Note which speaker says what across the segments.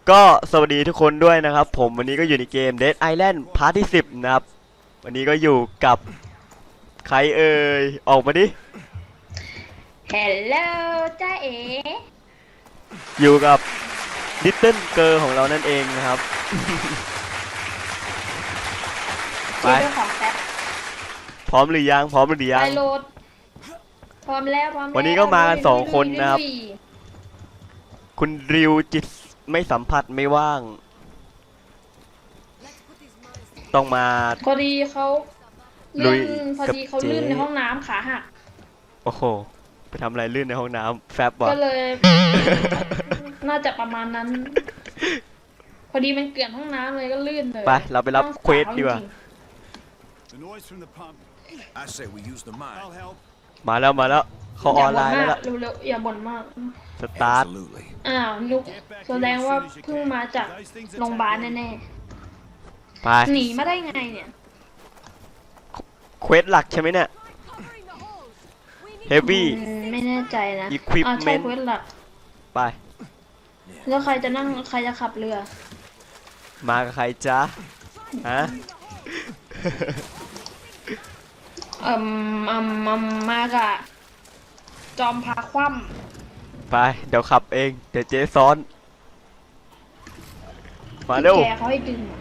Speaker 1: ก็สวัสดีทุกคนด้วยนะครับผมวันนี้ก็อยู่ในเกม Dead Island พาร์ทที่10นะครับวันนี้ก็อยู่กับใครเอ่ยออกมาดิ
Speaker 2: Hello จ้าเอ๋
Speaker 1: อยู่กับ Little Girl ของเรานั่นเองนะครับ ไป
Speaker 2: เจ้าของแป๊บ
Speaker 1: พร้อมหรือยังพร้อมหรือยั
Speaker 2: ไป
Speaker 1: ง
Speaker 2: โหลดพร้อมแล้วพร้อมแล้ว
Speaker 1: วันนี้ก็มากัน2 คนนะครับ
Speaker 2: ลุย
Speaker 1: คุณริวจิตไม่สัมผัสไม่ว่าง ต้องมา
Speaker 2: พอดีเขา
Speaker 1: ลุ
Speaker 2: ลื่
Speaker 1: ย
Speaker 2: นพอดีเขา
Speaker 1: กับเจ๊
Speaker 2: ลื่นในห้องน้ำขาหัก
Speaker 1: โอ้โหไปทำอะไรลื่นในห้องน้ำแฟบวะ
Speaker 2: ก็เลย น่าจะประมาณนั้น พอดีมันเกลื่อนห้องน้ำเลยก็ลื่นเลย
Speaker 1: ไปเราไปรับเควสดีกว่า
Speaker 3: The noise from the pump. I say we use the mine. I'll help.
Speaker 1: มาแล้วเขาออนไลน์แล้วล่ะ
Speaker 2: เร็วๆอย่าบ่นมาก
Speaker 1: สตาร์ท
Speaker 3: Absolutely.
Speaker 2: อ้าวนุกแสดงว่าเพิ่งมาจากโรงพยาบาลแน่
Speaker 1: ไป
Speaker 2: ๆหนีมาได้ไงเนี่ย
Speaker 1: เควสหลักใช่ไหมเนี่ย เฮฟวี่
Speaker 2: ไม่แน่ใจนะ
Speaker 1: Equipment
Speaker 2: ใช่เควสหลัก
Speaker 1: ไป
Speaker 2: แล้วใครจะนั่งใครจะขับเรือ
Speaker 1: มากับใครจ๊ะฮะ
Speaker 2: มากะจอมพาคว่
Speaker 1: ไปเดี๋ยวขับเองเดี๋ยวเจ๊ซ้อน
Speaker 2: ำ
Speaker 1: มาเร็ว
Speaker 2: แกเขาให้ดึง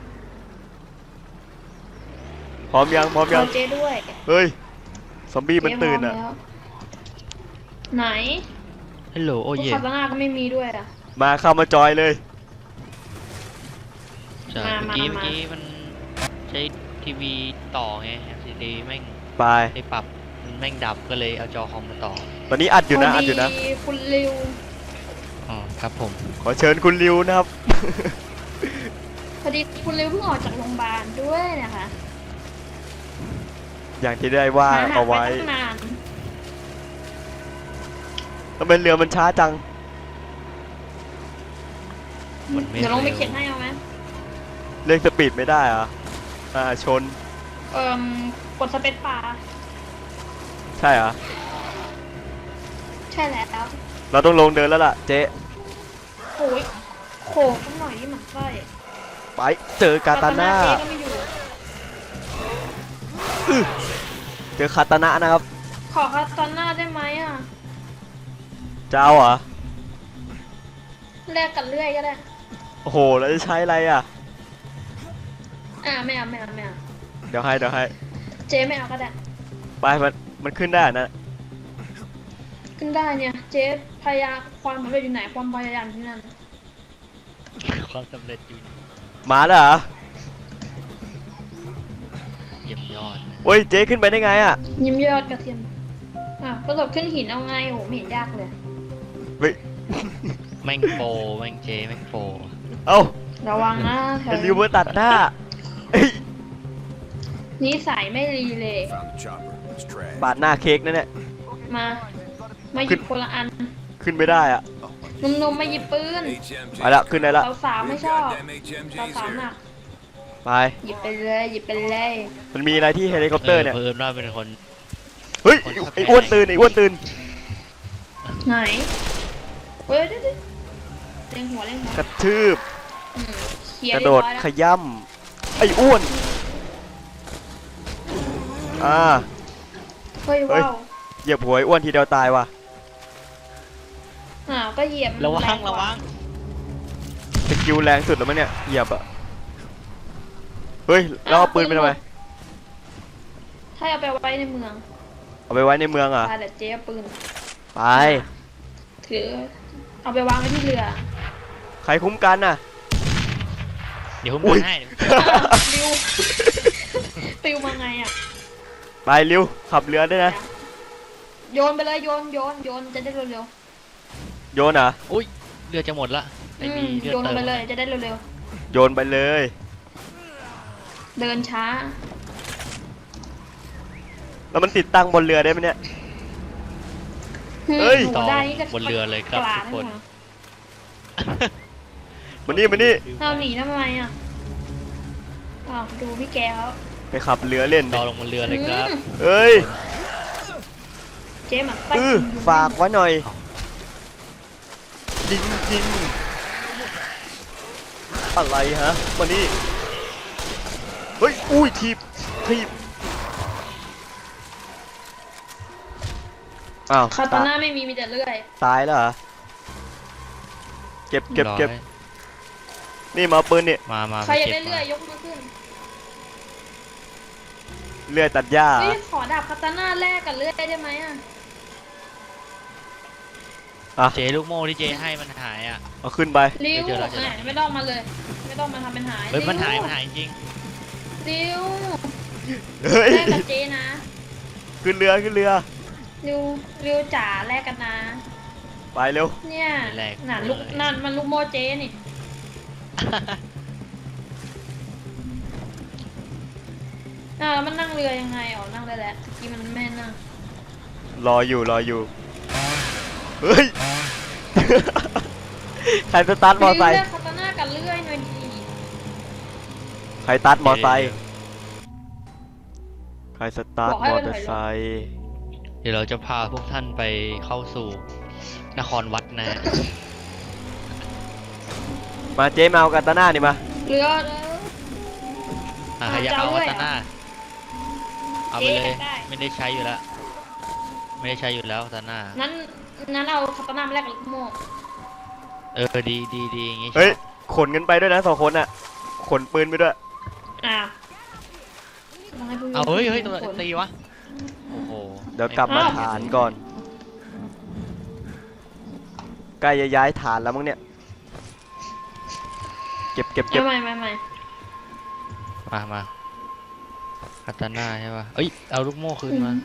Speaker 1: พร้อมยัง
Speaker 2: ขอเจ๊ด้วย
Speaker 1: เฮ้ย ซอมบี้มัน
Speaker 2: เจ๊
Speaker 1: ตื่น
Speaker 2: พร้
Speaker 1: อ่ะ
Speaker 2: แล้วไหน
Speaker 4: ฮัลโหลโอ
Speaker 2: พวก
Speaker 4: เย่
Speaker 2: คาตานาก็ไม่มีด้วยอ่ะ
Speaker 1: มาเข้ามาจอยเลย
Speaker 4: ใช่
Speaker 2: มา
Speaker 4: เมื่อกี้มันใช้ทีวีต่อไง LCD แม่ง
Speaker 1: ไป
Speaker 4: ได้ปรับมันแม่งดับก็เลยเอาจอคอมมาต่อ
Speaker 1: ตอนนี้อัดอยู่นะอัดอยู่นะ
Speaker 2: พดีคุณริว
Speaker 4: อ๋อครับผม
Speaker 1: ขอเชิญคุณริวนะครับ
Speaker 2: พอดีคุณริวเพิ่งออกจากโรงพยาบาลด้วยนะคะ
Speaker 1: อย่างที่ได้ว่า
Speaker 2: หหัก
Speaker 1: เอาไว้
Speaker 2: ตั้งนาน
Speaker 1: ทำไมเรือมันช้าจัง
Speaker 4: มันไม่
Speaker 2: เดี๋ยวลงไป
Speaker 4: ร็ว
Speaker 2: เขียนให้เอาไหม
Speaker 1: เร่งสปีดไม่ได้เหรอชน
Speaker 2: กดสเปซบาร์
Speaker 1: ใช่เหรอ
Speaker 2: ใช่แล้ว
Speaker 1: เราต้องลงเดินแล้วล่ะเจ๊
Speaker 2: โอ้ยโขกสักหน่อยนี่หมันไส้
Speaker 1: ไปเจอกาตาน่า
Speaker 2: เจ๊ก็ไม่อยู่
Speaker 1: เจอคาตานะนะครับ
Speaker 2: ขอคาตาน่าได้ไหมอ่ะ
Speaker 1: เจ้าเหรอ
Speaker 2: แลกกันเรื่อยก็ได้
Speaker 1: โอ้โหแล้วจะใช้อะไรอ่ะ
Speaker 2: ไม่เอา
Speaker 1: เดี๋ยวให้
Speaker 2: เจ๊ไม่เอาก็ได้
Speaker 1: ไปมันขึ้นได้นะ
Speaker 2: ขึ้นได้เนี่ย เจ๊พยายามความสำเร็จอยู่ไหนความพยายามที่นั่น
Speaker 4: ความสำเร็จอยู่
Speaker 1: มาแล้วเหรอ
Speaker 4: เยี่ยมยอดนะ
Speaker 1: โอ้ยเจ๊ขึ้นไปได้ไงอ่ะ
Speaker 2: ยิ้มยอดกระเทียมกระโดดขึ้นหินเอาไงโหไม่เห็นยากเลย
Speaker 1: เฮ้ย
Speaker 4: แม่งโปรแม่งเจแม่งโปร
Speaker 1: เอ้า
Speaker 2: ระวังนะแถว
Speaker 1: เป็นริวเวอร์ตัดหน้าเอ้ย
Speaker 2: นิสัยไม่รีเลย
Speaker 3: Found the chopper. It's trash.
Speaker 1: ปาดหน้าเค้กนั่นแหละ
Speaker 2: มาหยิบคนละอัน
Speaker 1: ขึ้นไม่ได้อ่ะ
Speaker 2: นมๆมาหยิบปืน
Speaker 3: HMG.
Speaker 1: ไปละขึ้นได้ละ
Speaker 2: สาวๆไม่ชอบ
Speaker 3: Goddamn HMGs
Speaker 2: สาว
Speaker 3: here.
Speaker 2: ๆหนัก
Speaker 1: ไป
Speaker 2: หยิบไปเลยหยิบไปเลย
Speaker 1: มันมีอะไรที่เฮลิคอปเตอร์เนี่ย
Speaker 4: เพิ่มว่าเป็นคน
Speaker 1: เฮ้ยไอ้อ้วนตื่นไอ้อ้วนตื่น
Speaker 2: ไหนเฮ้ยเดี๋ยวเล็งหัว
Speaker 1: กระทืบ
Speaker 2: เคลีย
Speaker 1: ก
Speaker 2: ร์
Speaker 1: ระ
Speaker 2: เรีย
Speaker 1: โด
Speaker 2: บ
Speaker 1: ด
Speaker 2: ร้อยแล้ว
Speaker 1: ขย่ำไอ้อ้วนอ่า
Speaker 2: เฮ้ย
Speaker 1: เฮ้ย
Speaker 2: ว้าว
Speaker 1: เหยียบหัวไอ้อ้วนทีเดียวตายว่ะ
Speaker 2: ก็เหยียบ
Speaker 4: ระวั
Speaker 2: แรง กา
Speaker 4: ระวัง
Speaker 1: สกิลแรงสุดแล้วมั้งเนี่ยเหยียบอ่ะเฮ้ยแล้วเอาปืนไปทำไม
Speaker 2: ถ้าเอาไปไว้ในเมือง
Speaker 1: เอาไปไว้ในเมืองอ่ะ
Speaker 2: ไปแต่เจ๊เอาปืน
Speaker 1: ไป
Speaker 2: ถือเอาไปวางไว้ที่เรือ
Speaker 1: ใครคุ้มกันน่ะ
Speaker 4: เดี๋ยวผม
Speaker 1: อุ้ย
Speaker 4: ให้
Speaker 2: ริวปิวมาไงอ่ะ
Speaker 1: ไปเร็วขับเรือได้วยนะ
Speaker 2: โยนไปเลยโยนจะได้เร็ว
Speaker 1: โยนเหรอ่ะ
Speaker 4: อุ้ยเรือจะหมดละ
Speaker 2: ๆ
Speaker 4: ไม่มีเรือ
Speaker 2: โยนล
Speaker 4: เติ
Speaker 2: ง
Speaker 4: ม
Speaker 2: ไปเลยจะได้เร็ว
Speaker 1: โยนไปเลย
Speaker 2: ๆเดินช้า
Speaker 1: แล้วมันติดตั้งบนเรือได้ไหมเนี่ย เฮ้ย
Speaker 2: โห
Speaker 4: ต่อ
Speaker 2: ได้นี่ก็
Speaker 4: บนเรือเลยครับ
Speaker 2: กลา
Speaker 4: ทุกคน
Speaker 2: ะ
Speaker 1: มานี่
Speaker 2: เราหนีทำไมอ่ะดูพี่แกเขา
Speaker 1: ไปขับเรือเล่น
Speaker 4: ต่
Speaker 1: ดิ
Speaker 4: อลงบนเรือเลยครับ
Speaker 1: เอ้ย
Speaker 2: เจ๊หมักไส้
Speaker 1: ฝากไว้หน่อยยิงอะไรฮะมานี่เฮ้ยอุ้ยทีบอ้าว
Speaker 2: คาตาน่าไม่มีแต่เลื่อย
Speaker 1: ตายแล้วเหรอเก็บ
Speaker 4: ร้อย
Speaker 1: นี่มาเอาปืนนี่
Speaker 4: มา
Speaker 2: ใครอยาก
Speaker 4: เก็
Speaker 2: ได้
Speaker 4: บ
Speaker 2: เลื่อยยกมือขึ้น
Speaker 1: เลื่อยตัดหญ้า
Speaker 2: เฮ้ยขอดาบคาตาน่าแลกกับเลื่อยได้ไหมอ่ะ
Speaker 4: เจลูกโม่ที่เจให้มันหายอ่ะ
Speaker 1: เอาขึ้นไป
Speaker 2: ริว
Speaker 4: เจอแล้ว
Speaker 2: แหมไม่ต้องมาเลย ไม่ต้องมาทำเป็นหาย
Speaker 4: เฮ้ยมันหาย
Speaker 2: ริว
Speaker 4: มันหายจริง
Speaker 2: ริว
Speaker 1: เฮ้ย
Speaker 2: แลกกับเจนะ
Speaker 1: ขึ้นเรือ
Speaker 2: ริวจ๋าแลกกันนะ
Speaker 1: ไปเร็ว
Speaker 2: เนี่ยน่ะลูกนั่นมันลูกโมเจนี่แล้วมันนั่งเรือยังไงอ๋อนั่งได้แล้วเมื่อกี้มันไม่นั่ง
Speaker 1: รออยู่เฮ้ย ใครสตาร์ทมอไซค์
Speaker 2: เลื่อยคาตาน่ากับเลื่อยหน่อยดี
Speaker 1: ใครสตาร์ทมอไซค์ใครสตาร์ทมอเตอร์ไซค์
Speaker 4: เดี๋ยวเราจะพาพวกท่านไปเข้าสู่นครวัดนะฮะ
Speaker 1: มาเจ๊มาเอากาตาน่านี่มา
Speaker 2: เรือ
Speaker 4: ใครอยากเอาวัตนาเอาไปเลย
Speaker 2: ได้
Speaker 4: ไม่ได้ใช้อยู่แล้ว ไม่ได้ใช้อยู่แล้ววัตนา
Speaker 2: นั้นเอาคาตาน่ามาแลกกับลูกโม่
Speaker 4: ดีอย่างงี้
Speaker 1: เฮ้ยขนกันไปด้วยนะ2 คนอ่ะขนปืนไปด้วย
Speaker 2: อ่ะ
Speaker 4: เอาเฮ้ยตัวตีวะโอ้โห
Speaker 1: เดี๋ยวกลับมาฐานก่อนใกล้จะย้ายฐานแล้วมั้งเนี่ยเก็บ
Speaker 2: ไม่
Speaker 4: มาคาตาน่าใช่ป่ะเอ้ยเอาลูกโม่คืนมา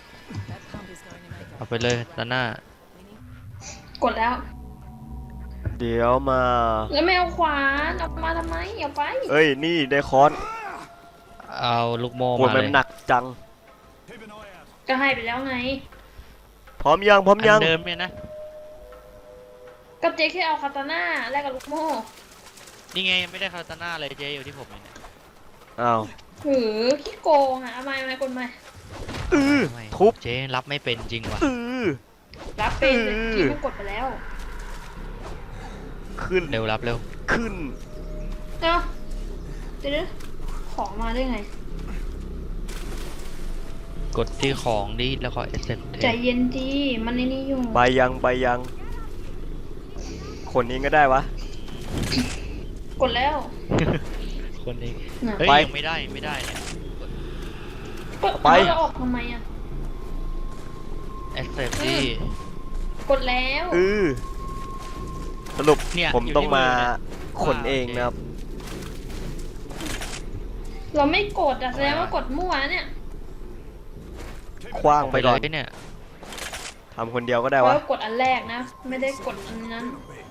Speaker 4: เอาไปเลยคาตาน่าก
Speaker 2: ดแล้ว
Speaker 1: เดี๋ยวมา
Speaker 2: แล้วไม่เอาขวานเอามาทำไมเอาไป
Speaker 1: เอ้ยนี่ได้ค้อน
Speaker 4: เอาลูกโม่
Speaker 1: โห
Speaker 4: มา
Speaker 1: มั
Speaker 4: เล
Speaker 1: น
Speaker 4: ย
Speaker 1: หนักจัง
Speaker 3: Keep an eye out.
Speaker 2: ก็ให้ไปแล้วไง
Speaker 1: พร้อมยัง
Speaker 4: อันเดิมเนี่ยนะ
Speaker 2: ก็เจ๊แค่เอาคาตาน่าแลกกับลูกโม่
Speaker 4: นี่ไงยังไม่ได้คาตาน่าเลยเจอยู่ที่ผมเนี่ย
Speaker 1: อ้าว
Speaker 2: หือขี้โกงอ่ะเอาไม่กดไม่
Speaker 4: ไม่
Speaker 1: ทุบ
Speaker 4: เจรับไม่เป็นจริงว่ะ
Speaker 2: รับเป็นเลยที่มันกดไปแล้ว
Speaker 1: ขึ้น
Speaker 4: เร็วรับเร็ว
Speaker 1: ขึ้น
Speaker 2: เอ้าเดี๋ยวของมาได้ไง
Speaker 4: กดที่ของดีแล้วก็ accept
Speaker 2: ใจเย็นดีมันในนี้อยู่
Speaker 1: ไปยังคนนี้ก็ได้วะ
Speaker 2: กดแล้ว
Speaker 4: คนเอง
Speaker 2: น่ะ
Speaker 4: เฮ้ย
Speaker 1: ไป
Speaker 4: ยังไม่ได้เนี่ย
Speaker 2: กด
Speaker 1: ไป
Speaker 2: แล้วออกทำไมอ่ะ
Speaker 4: accept ดี
Speaker 2: กดแล้ว
Speaker 1: สรุป
Speaker 4: เนี่ย
Speaker 1: ผม
Speaker 4: อยู่
Speaker 1: ต้อง
Speaker 4: ที่
Speaker 1: มา
Speaker 4: มือเนี่ย
Speaker 1: ขนเองนะครับ
Speaker 2: เราไม่กดอ่ะแสดงว่ากดมั่วเนี่ย
Speaker 1: คว้างไปก่อน
Speaker 4: เลยเนี่ย
Speaker 1: ทำคนเดียวก็ได้
Speaker 2: เพ
Speaker 1: วะ
Speaker 2: ราะกดอันแรกนะ ไม่ได้กดอันนั้น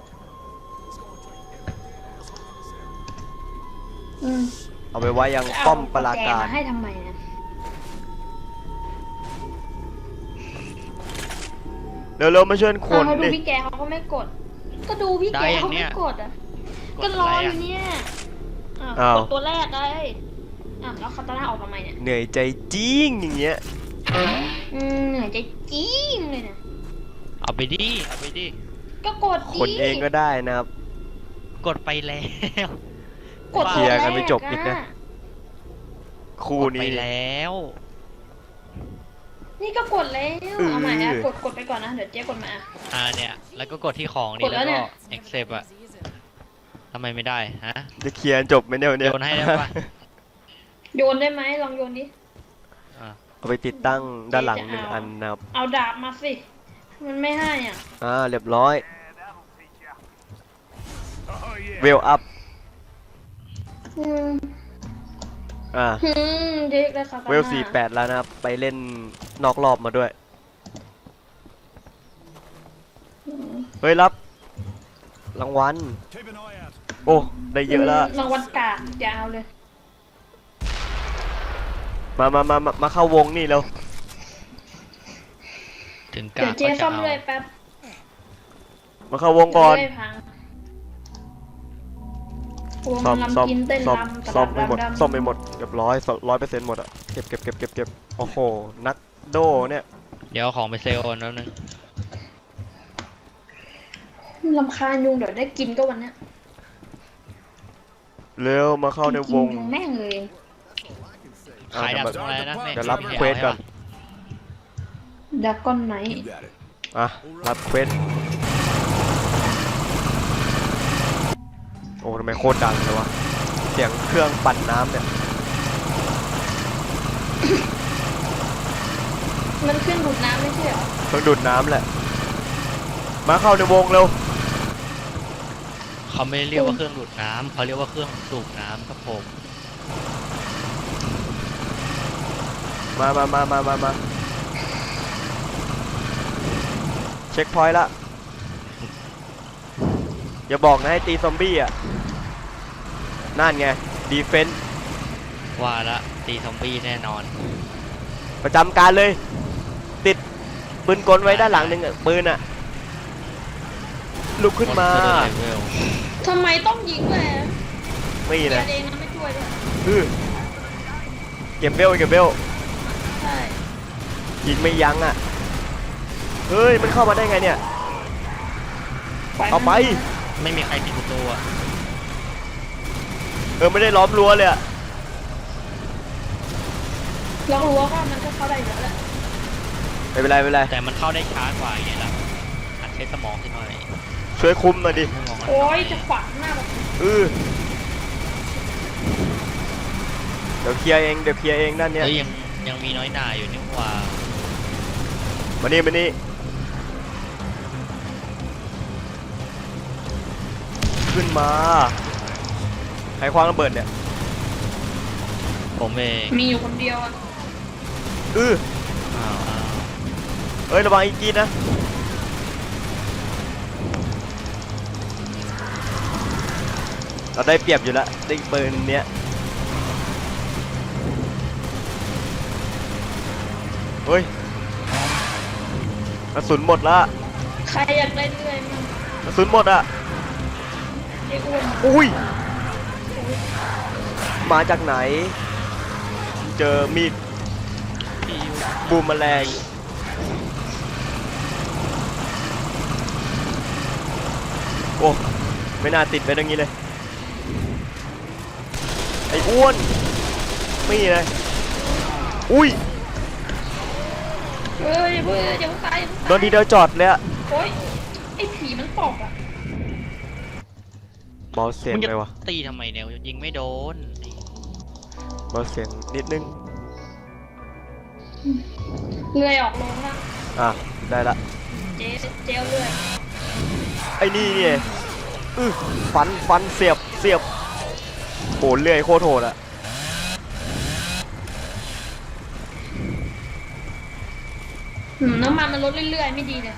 Speaker 2: อืม
Speaker 1: เอาไปไว้ยังป้อมปราการ
Speaker 2: เอแจมาให้ทำไมนะ
Speaker 1: เร็วๆมาช่วยขน
Speaker 2: เขาดู
Speaker 1: ดิ
Speaker 2: พี่แกเขาก็ไม่กด ก็ดูพี่แกเขาไม่กดอ่ะ ก็รออยู่เนี่ยกดตัวแรกเลยแล้วคาตาน่าออกทำไมเนี่ย
Speaker 1: เหนื่อยใจจริงอย่างเงี้ย
Speaker 2: เหนื่อยใจจริงเลยนะ
Speaker 4: เอาไปดิ
Speaker 2: ก็กดดิ
Speaker 1: ขนเองก็ได้นะครับ
Speaker 4: กดไปแล้ว
Speaker 2: กด
Speaker 1: เคลียร์กันไม่จบอีกนะ
Speaker 2: อะ
Speaker 1: คู่
Speaker 4: กดไป
Speaker 1: นี้
Speaker 4: แล้ว
Speaker 2: นี่ก็กดแล้วเอาใหม่นะกดไปก่อนนะเดี๋ยวเจ๊กดมา
Speaker 4: เนี่ย แล้วก็กดที่ของดี
Speaker 2: กดแล้
Speaker 4: แล้ว ว
Speaker 2: เนี่
Speaker 4: ก็
Speaker 2: ย
Speaker 4: accept อะทำไมไม่ได้ฮะ
Speaker 1: จะเคลียร์จบไหมเนี่ยวันเนี้ย
Speaker 4: โยนให้ได้ปะ
Speaker 2: โยนได้ไหมลองโยนดิ
Speaker 4: อ่ะ
Speaker 1: เอาไปติดตั้งด้านหลัง1 อันนะครับ
Speaker 2: เอาดาบมาสิมันไม่ให้อ่ะ
Speaker 1: เรียบร้อย
Speaker 3: Oh, yeah.
Speaker 1: เวลอัพ
Speaker 2: เด็กเลยค่ะ
Speaker 1: เวล48แล้วนะครับ ไปเล่นนอกรอบมาด้วย เฮ้ยรับ รางวัล
Speaker 3: Keep an eye out.
Speaker 1: โอ้ ได้เยอะแล้ว
Speaker 2: รางวัลกากยาวเลย
Speaker 1: มาเข้าวงนี่แล้ว
Speaker 4: ถึงก
Speaker 2: เดี๋ย
Speaker 4: าว ร
Speaker 2: เจ๊
Speaker 4: ก็จะ
Speaker 2: ซ่อม
Speaker 4: เอา
Speaker 2: เลยแป๊บ
Speaker 1: มาเข้าวงก่อน
Speaker 2: เดี๋ยวเลื่อยพังวง
Speaker 1: ซ่อม
Speaker 2: ลำกินเต้นลำ
Speaker 1: ซ่อมไม่หมด
Speaker 2: ดำ
Speaker 1: ซ่อมไม่หมดเรียบร้อย100%หมดอะเก็บโอ้โห นักโดเนี่ย
Speaker 4: เดี๋ยวเอาของไปเซลล์แล้วนึง
Speaker 2: ลำคาญยุงเดี๋ยวได้กินก็วันเนี้ย
Speaker 1: เร็วมาเข้าในวง
Speaker 2: กินแม่งเลย
Speaker 4: ขายดับตรงอะไรนะแม่ง
Speaker 1: เดี๋ยวรับ
Speaker 4: ไม่
Speaker 1: เควสก่อน
Speaker 2: ดากอนไนท์
Speaker 3: You got it.
Speaker 1: อ่ะรับเควสโอ้ทำไมโคตรดังเลยวะเสียงเครื่องปั่นน้ำเนี่ย
Speaker 2: มันขึ้นดูดน้ำไม่ใช่เหรอ
Speaker 1: เครื่องดูดน้ำแหละ มาเข้าในวงเร็ว
Speaker 4: เขาไม่เรียกว่าเครื่องดูดน้ำเขาเรียกว่าเครื่องสูบน้ำครับผม
Speaker 1: มาเช็คพอยต์ละอย่าบอกนะให้ตีซอมบี้อ่ะนั่นไงดีเฟนส์
Speaker 4: ว่าละตีซอมบี้แน่นอน
Speaker 1: ประจำการเลย ติดปืนกลไว้ด้านหลังหนึ่งอะปืนอ่ะลุกขึ้นมา
Speaker 4: Monster Level
Speaker 2: ทำไมต้องยิงเลย
Speaker 1: ไม่
Speaker 2: เกีย
Speaker 1: นะ
Speaker 2: ร์เองนะไม่ช่วยด้วย
Speaker 1: เก็บเบล
Speaker 2: ใช่
Speaker 1: ยิงไม่ยั้งอ่ะเฮ้ยมันเข้ามาได้ไงเนี่ยเอาไป
Speaker 4: ไม่มีใครปิดประตูอะ
Speaker 1: ไม่ได้ล้อมรั้วเลยอ่ะ
Speaker 2: เรารู้ว่ามันก็เข้าได้อยู่แล้วแหละ
Speaker 1: ไม่เป็นไร
Speaker 4: แต่มันเข้าได้ช้ากว่าอย่างเงี้ยล่ะหัดใช้สมองขึ้นหน่อย
Speaker 1: ช่วยคุมหน่อยดิ
Speaker 4: สมอง
Speaker 2: โอ้ยจะฝังหน้าแบบ
Speaker 1: เดี๋ยวเคลียร์เองด้านเนี้ย
Speaker 4: เฮ้ยยังมีน้อยหน่าอยู่นี่หว่า
Speaker 1: มานี่ขึ้นมาใครคว้างระเบิดเนี่ย
Speaker 4: ผมเอง
Speaker 2: มีอยู่คนเดียวอ่ะ
Speaker 4: อ้าว
Speaker 1: เอ้ยระวังอีกกีดนะเราได้เปรียบอยู่แล้วได้ปืนเนี้ยเฮ้ยกระสุนหมดละ
Speaker 2: ใครอยากได้เรื่อยมั้ง
Speaker 1: กระสุนหมดอ่ะ
Speaker 2: ไอ้อ้วน
Speaker 1: อุ้ยมาจากไหน เจอมีด
Speaker 4: พี่ยู
Speaker 1: บูมแมลงโอ้ไม่น่าติดไปตรงนี้เลยไอ้อ้วนไม่เลยอุ้ย
Speaker 2: เฮ้ยเฮ้ยอย่าเพิ่งตาย
Speaker 1: โดนทีเดียวจอดเลยอะ
Speaker 2: โอ้ยไอ้ผีมันตกอ่ะ
Speaker 1: เบาเสียง
Speaker 4: มึงจะ
Speaker 1: เลยวะ
Speaker 4: ตีทำไมเนี่ยยิงไม่โดน
Speaker 1: เบาเสียงนิดนึง
Speaker 2: เลื่อยออกลงละ
Speaker 1: อ่ะได้ละ
Speaker 2: เจลเลื่อย
Speaker 1: ไอ้นี่เนี่ยฟันเสียบโหเลื่อยโคตรโหดอะ
Speaker 2: น้ำมันมันลดเรื่อยๆไม่ดีเลยว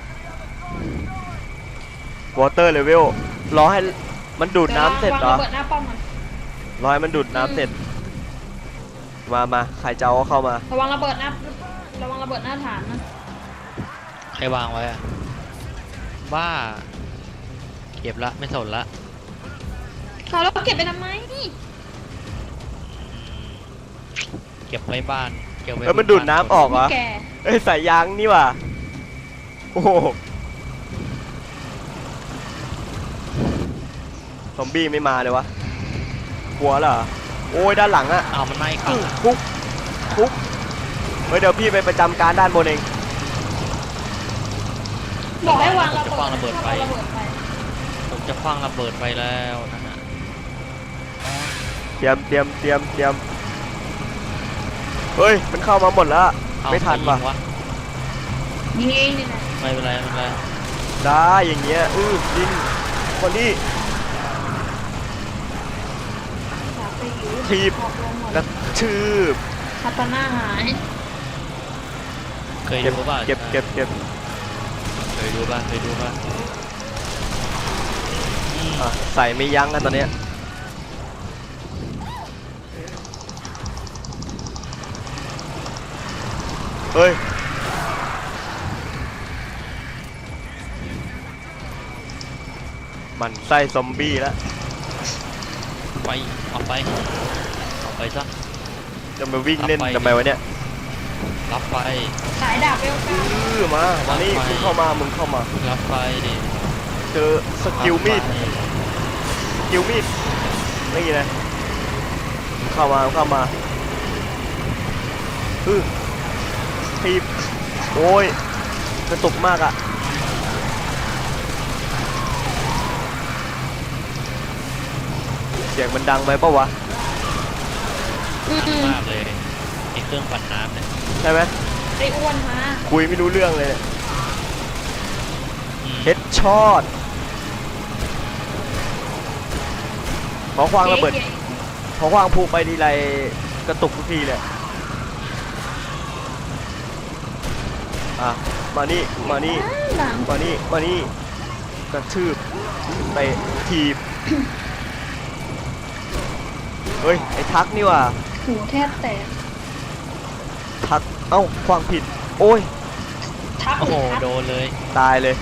Speaker 1: อเตอร์เลเวลรอให้มันดูดน้ำเสร็จเหรอ
Speaker 2: วางระเบิดหน้าป้อมมัน
Speaker 1: รอให้มันดูดน้ำเสร็จมาใครจะเอาเข้ามา
Speaker 2: ระวังระเบิดหน้าฐานนะ
Speaker 4: ใครวางไว้อะบ้าเก็บละไม่สนละ
Speaker 2: เขาแล้วเก็บไปทำไม
Speaker 4: เก็บไว้บ้านเก็บไว้
Speaker 1: มันดูดน้ำออกเหรอ
Speaker 2: แก
Speaker 1: สายยางนี่ว่ะโอ้โหซอมบี้ไม่มาเลยวะกลัวเหรอโอ้ยด้านหลังอะ
Speaker 4: อ้าวมันไม่ครับ
Speaker 1: ปุ๊บเฮ้ยเดี๋ยวพี่ไปประจำการด้านบนเอง
Speaker 2: บอกให้วางระ
Speaker 4: จะคว้างระ
Speaker 2: เบิ
Speaker 4: เบิ
Speaker 2: ด
Speaker 4: ดไป
Speaker 2: ระเบิดไป
Speaker 4: ผมจะคว้างระเบิดไปแล้วนะฮะ
Speaker 1: เตรียมเฮ้ยมันเข้ามาหมดแล้ว
Speaker 4: เอา
Speaker 1: ไม่ทันว่ะ
Speaker 4: ใครยิง
Speaker 2: ยิงเองนี่แหละ
Speaker 4: ไม่เป็นไรไม่เป็นไร
Speaker 1: ได้อย่างเงี้ยยิงคนนี้
Speaker 2: อยากไปอยู่
Speaker 1: ถีบ
Speaker 2: ออกลงหมด
Speaker 1: กระชืบ
Speaker 2: คาตาน่าหาย
Speaker 4: เคยดูป่ะ
Speaker 1: เก็บ
Speaker 4: เคยดูป่ะ
Speaker 1: อ่ะใส่ไม่ยั้งกันตอนเนี้ยเฮ้ยมันไส้ซอมบี้แล้ว
Speaker 4: ไปออกไปซะ
Speaker 1: จะมาวิ่งเล่น
Speaker 4: รับไป
Speaker 1: ทำไมวะเนี่ย
Speaker 4: รับไป
Speaker 2: สายดาบเวลกา
Speaker 1: มานี่
Speaker 4: รับไป
Speaker 1: มึงเข้ามา
Speaker 4: รับไป
Speaker 1: เจอสกิลมีดนี่นะเข้ามาทีบโอ้ยกระตุกมากอะเสียงมันดังไหมปะวะ
Speaker 4: มากเลยไอ้เครื่องปั่นน้ำเนี่ย
Speaker 1: ใช่ไหม
Speaker 2: ไอ้อ้วนมา
Speaker 1: คุยไม่รู้เรื่องเลยเนี่ย
Speaker 4: อืม
Speaker 1: เฮดช็อตขอควางระเบิด
Speaker 2: จ๊
Speaker 1: พอควางพูไปทีไรกระตุกทุกทีเลยอ่ะมานี่
Speaker 2: หลัง
Speaker 1: มานี่กระทืบไปทีบ เฮ้ยไอ้ทักนี่ว่ะ
Speaker 2: หูแทบแตก
Speaker 1: ทักเอ้าควางผิดโอ้ย
Speaker 2: ทัก
Speaker 4: โอ้โห
Speaker 2: ทัก
Speaker 4: โดนเลย
Speaker 1: ตายเลย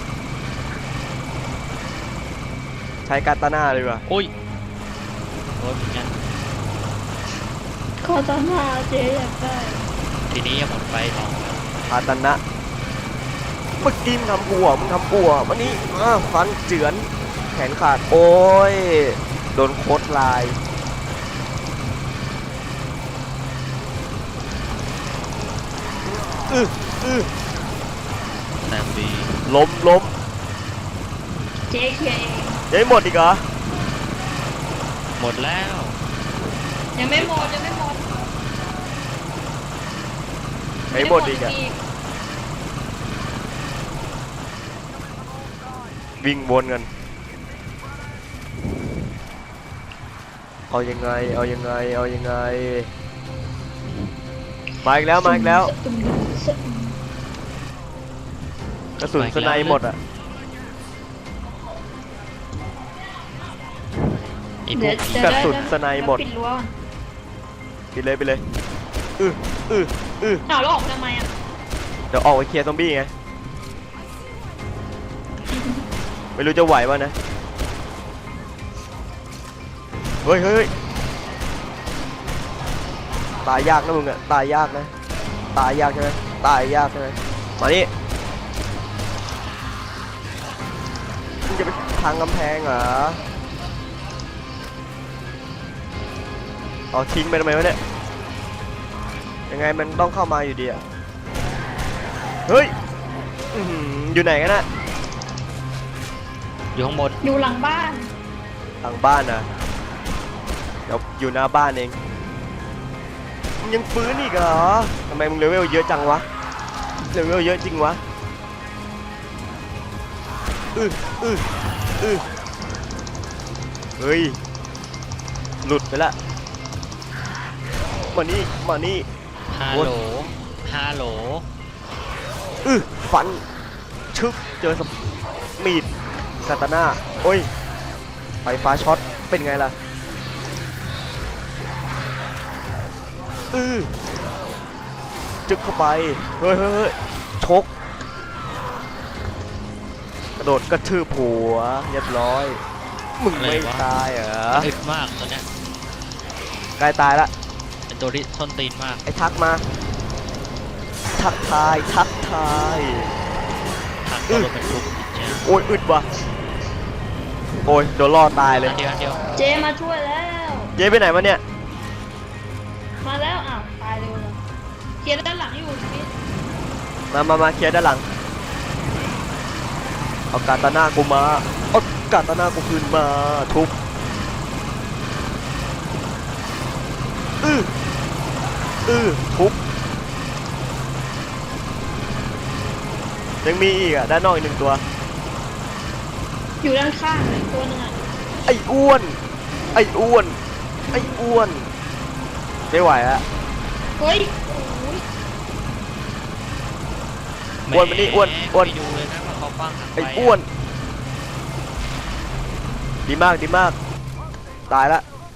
Speaker 1: ใช้กาตาน่าเลยว่ะ
Speaker 4: โอ้ยโดนเหมือนกัน
Speaker 2: คอตามาเจ๊อยากได้
Speaker 4: ทีนี้ยังหมดไปสอง
Speaker 1: คาตานะเมื่อกี้มึงทำกูอ่ะวันนี้ฟันเจือนแขนขาดโอ้ยโดนโคตรลาย
Speaker 4: แซมบี
Speaker 1: ล้ม
Speaker 2: เจ๊เคลียร์เอง
Speaker 1: ยังไม่หมดอีกเหรอ
Speaker 4: หมดแล้ว
Speaker 2: ยังไม่หมด
Speaker 1: ยังไม่หมดอีกอ่ะวิ่งวนกันเอายังไงมาอีกแล้วกระสุนสไนหมดอ่ะ
Speaker 4: ไอ้พ
Speaker 2: เดี๋
Speaker 4: ว
Speaker 2: ยว
Speaker 4: ก
Speaker 2: จะ
Speaker 1: กระ
Speaker 2: ได้
Speaker 1: สุนสไนหมด
Speaker 2: ปิดรั้ว
Speaker 1: ไปเลย
Speaker 2: อ้าวแล้วออกมาทำไมอ่ะ
Speaker 1: เดี๋ยวออกไปเคลียร์ซอมบี้ไง ไม่รู้จะไหววะนะ เฮ้ยตายยากนะมึงอะตายยากนะ ตายยากใช่ไหมมานี่มึงจะไปทางกำแพงเหรอเอาทิ้งไปทำไมวะเนี่ย ยังไงมันต้องเข้ามาอยู่ดีอะเฮ้ยอยู่ไหนกันนะ
Speaker 4: อยู่ข้างบน
Speaker 2: อยู่หลังบ้าน
Speaker 1: หลังบ้านนะเดี๋ยวอยู่หน้าบ้านเองมึงยังฟื้นอีกเหรอทำไมมึงเลเวลเยอะจังวะเลเวลเยอะจริงวะเฮ้ยหลุดไปละมานี่
Speaker 4: ฮัลโหล
Speaker 1: ฟันชึบเจอสมีดคาตาน่าโอ้ยไฟฟ้าช็อตเป็นไงล่ะจึกเข้าไปเฮ้ยชกกระโดดกระทืบหัวเรียบร้อยมึงไม่ตายเหรอ
Speaker 4: อึดมากตัวเนี้ย
Speaker 1: ใกล้ตายละ
Speaker 4: เป็นตัวที่ส้นตีนมาก
Speaker 1: ไอ้ทักมาทักทาย
Speaker 4: ทักตัวรถบรรทุกเนี่ย
Speaker 1: โอ้ยอึดว่ะโอ้ยโดนล่อตายเลย
Speaker 4: อันเดียว
Speaker 2: เจ๊มาช่วยแล้ว
Speaker 1: เย้ไปไหนมาเนี่ย
Speaker 2: มาแล้วอ้าวตายเร็วเลยเคลียร์ด้านหลังอยู่ชีวิต
Speaker 1: มาเคลียร์ด้านหลังเอากาตาน่ากูมาเอากาตาน่ากูคืนมาทุบทุบยังมีอีกอ่ะด้านนอกอีกหนึ่งตัว
Speaker 2: อยู่ด้านข้างเลยตัวหนึงอ่ะ
Speaker 1: ไอ้อ้วนไม่ไหวอะ
Speaker 2: เฮ้ยโอ้ย
Speaker 4: ๆ
Speaker 1: อ้วนมานี่อ้วน
Speaker 4: ไปดูเลยนะว่าเขาปั้งหันไป
Speaker 1: ไอ้อ้วนดีมากตาย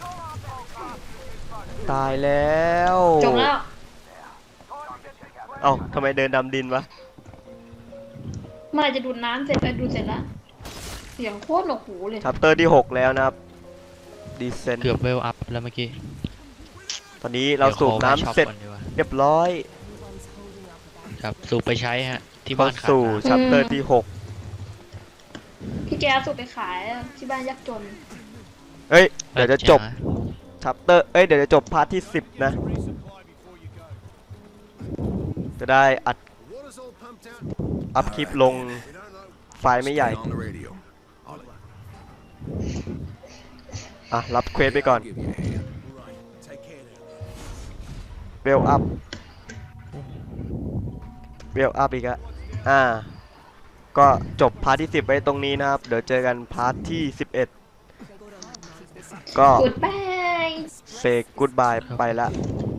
Speaker 1: แล้ว
Speaker 2: จบแล้ว
Speaker 1: เอ้าทำไมเดินดำดินวะ
Speaker 2: เมื่อไหร่จะดูดน้ำเสร็จดูดเสร็จแล้วเสียงโคตรหนวกหูเลย
Speaker 1: ชัปเตอร์ที่ 6 แล้วนะครับดีเซน
Speaker 4: เกือบเวลอัพแล้วเมื่อกี้
Speaker 1: ตอนนี้เราสูบน้ำเสร็จ
Speaker 4: ดี๋ยวขอไปช็อปก่อนดีกว่า
Speaker 1: เรียบร้อย
Speaker 4: ครับสูบไปใช้ฮะที่
Speaker 1: เข้า
Speaker 4: บ้านขาด
Speaker 1: สู่
Speaker 4: น้ำ
Speaker 1: ชัปเตอร์ที่
Speaker 2: พี่แกสูบไปขายที่บ้านยากจน
Speaker 1: 6 เฮ้ย เดี๋ยวจะจบชัปเตอร์เอ้ยเดี๋ยวจะจบพาร์ทที่10นะจะได้อัด
Speaker 3: Water's all pumped out.
Speaker 1: อัพคลิปลง
Speaker 3: We don't know.
Speaker 1: ไฟล์ไม่ใหญ่
Speaker 3: Stay on the radio. I'll
Speaker 1: อ่ะรับเควสไปก่อน
Speaker 3: give you a hand. Right. Take care now.
Speaker 1: เวลอัพเวลอัพอีกอะก็จบพาร์ทที่10ไว้ตรงนี้นะครับเดี๋ยวเจอกันพาร์ทที่11ก็
Speaker 2: Goodbye
Speaker 1: เซกูดบายไปละ
Speaker 4: ค